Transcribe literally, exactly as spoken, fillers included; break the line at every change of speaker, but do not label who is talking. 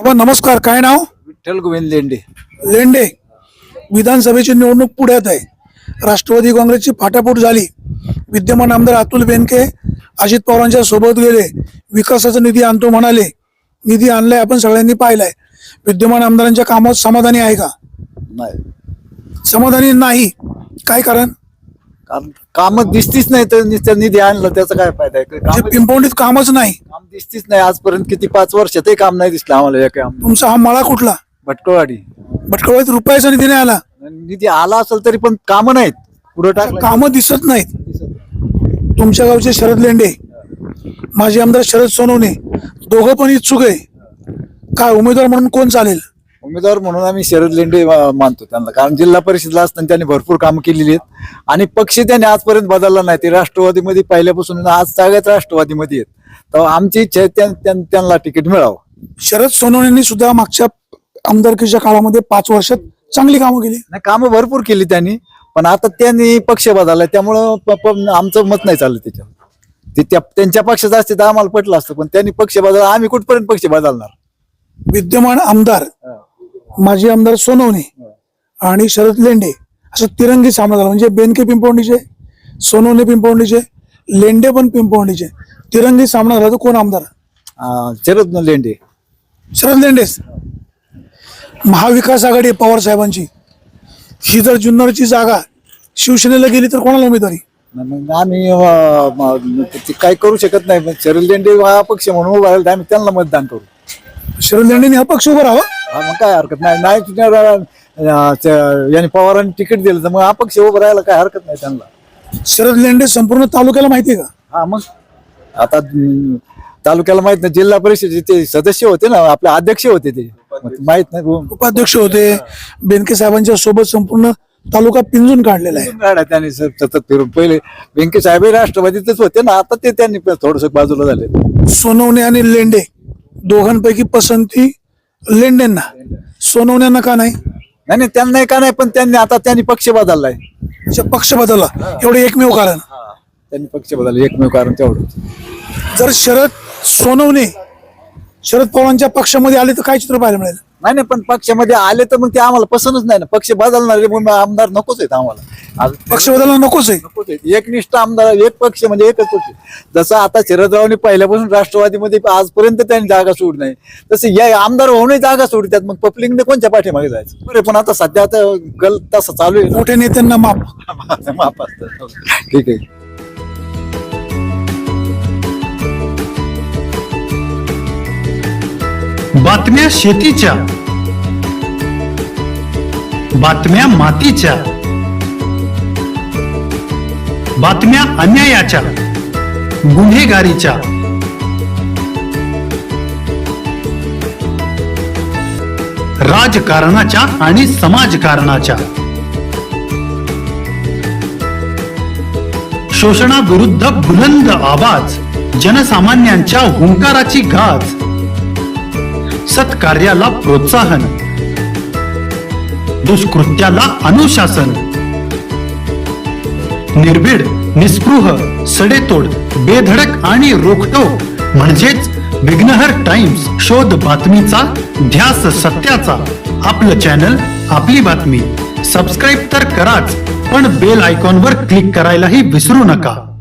बाबा नमस्कार, काय नाव?
विठ्ठल गोविंद लेंडे.
लेंडे. विधानसभेची निवडणूक पुढ्यात आहे. राष्ट्रवादी काँग्रेसची फाटाफूट झाली. विद्यमान आमदार अतुल बेनके अजित पवारांच्या सोबत गेले, विकासाचा निधी आणतो म्हणाले. निधी आणलाय, आपण सगळ्यांनी पाहिलाय. विद्यमान आमदारांच्या कामात समाधानी आहे का?
नाही,
समाधानी नाही. काय कारण?
काम काम दिसतीच नाही तर नुसतं निधी आणलं त्याचा काय फायदा आहे?
म्हणजे
काम
पिंपवणीत कामच नाही.
काम दिसतीच नाही आजपर्यंत. किती पाच वर्षातही काम नाही दिसलं आम्हाला. एक काम
तुमचा हा मळा कुठला?
भटकळवाडी.
भटकळवाडीत रुपयाचा निधी नाही आला.
निधी आला असेल तरी पण कामं नाहीत. पुढे टाकलं
कामं दिसत नाहीत. तुमच्या गावचे शरद लेंडे, माजी आमदार शरद सोनवणे, दोघं पण इच्छुक आहे. काय उमेदवार म्हणून कोण चालेल?
उमेदवार म्हणून आम्ही शरद लेंडे मा- मानतो त्यांना. कारण जिल्हा परिषदला असताना त्यांनी भरपूर कामं केलेली आहेत आणि पक्ष त्यांनी आजपर्यंत बदलला नाही. ते राष्ट्रवादीमध्ये पहिल्यापासून आज सगळ्याच राष्ट्रवादीमध्ये आहेत. तर आमची इच्छा आहे त्यां- त्यां- त्यांना तिकीट मिळावं.
शरद सोनवणेंनी सुद्धा मागच्या आमदारकीच्या काळामध्ये पाच वर्षात चांगली कामं केली.
नाही, कामं भरपूर केली त्यांनी, पण आता त्यांनी पक्ष बदलला त्यामुळं प- प- आमचं मत नाही चाललं त्याच्यावर. ते त्या- त्यांच्या पक्षाचं असते तर आम्हाला पटलं असतं, पण त्यांनी पक्ष बदलला. आम्ही कुठपर्यंत पक्ष बदलणार?
विद्यमान आमदार माजी आमदार सोनवणे आणि शरद लेंडे असं तिरंगी सामना झाला. म्हणजे बेनके पिंपवणीचे, सोनवणे पिंपवणीचे, लेंडे पण पिंपवणीचे. तिरंगी सामना झाला. तर कोण आमदार?
अं, शरद लेंडे.
शरद लेंडेच. महाविकास आघाडी पवार साहेबांची, ही जर जुन्नरची जागा शिवसेनेला गेली तर कोणाला उमेदवारी?
मग आम्ही अं, म- ते काही करू शकत नाही. पण शरद लेंडे हा पक्ष म्हणून उभा राहिला तर आम्ही त्यांना मतदान करू.
शरद लेंडेंनी हा पक्ष उभा राहावा.
हा, मग काय हरकत नाही. नाही तुझ्या- अं, त्या- यांनी पवारांनी तिकीट दिलं तर मग हा पक्ष उभा राहायला काय हरकत नाही त्यांना.
शरद लेंडे संपूर्ण तालुक्याला माहिती आहे का?
हा, मग आता अं, तालुक्याला माहित नाही. जिल्हा परिषदेचे ते सदस्य होते ना, आपले अध्यक्ष होते ते. मग माहित नाही.
उपाध्यक्ष होते. बेनके साहेबांच्या सोबत संपूर्ण तालुका पिंजून काढलेला आहे.
गाड्या त्यांनी स- सतत फिरून. पहिले व्यंके साहेब राष्ट्रवादीतच होते ना, आता ते त्यांनी थोडस बाजूला झाले.
सोनवणे आणि लेंडे दोघांपैकी पसंती लेंडेंना. सोनवण्यांना का नाही?
नाही नाही, त्यांना का नाही, पण त्यांनी आता त्यांनी पक्ष बदललाय.
अच्छा, पक्ष बदलला एवढे एकमेव कारण.
त्यांनी पक्ष बदलला एकमेव कारण तेवढं.
जर शरद सोनवणे शरद पवारांच्या पक्षामध्ये आले तर काय चित्र पाहायला मिळेल?
नाही नाही, पण पक्षामध्ये आले तर मग ते आम्हाला पसंतच नाही ना. पक्ष बदलणारे मग आमदार नकोच आहेत आम्हाला. आज
पक्ष बदलला नकोच आहे.
नकोच आहेत. एकनिष्ठ आमदार, एक पक्ष म्हणजे एकच पक्ष. जसं आता शरदरावने पहिल्यापासून राष्ट्रवादीमध्ये आजपर्यंत त्यांनी जागा सोड नाही, तसं या आमदार होऊनही जागा सोडतात. मग पब्लिकने कोणत्या पाठीमागे जायचं? बरे, पण आता सध्या आता गल तसं चालू आहे.
मोठ्या नेत्यांना माप.
माफ असतं. ठीक आहे.
बातम्या शेतीच्या, बातम्या मातीच्या, बातम्या अन्यायाच्या, गुन्हेगारीच्या, राजकारणाच्या आणि समाजकारणाच्या, शोषणाविरुद्ध बुलंद आवाज, जनसामान्यांच्या हुंकाराची गाज, सत्कार्याला प्रोत्साहन, दुष्कृत्याला अनुशासन, निर्भीड, निस्पृह, सडेतोड, बेधडक आणि रोखटोक म्हणजेच विघ्नहर टाइम्स. शोध बातमीचा, ध्यास सत्याचा. आपलं चॅनल, आपली बातमी. सबस्क्राईब तर कराच, पण बेल आयकॉनवर क्लिक करायलाही विसरू नका.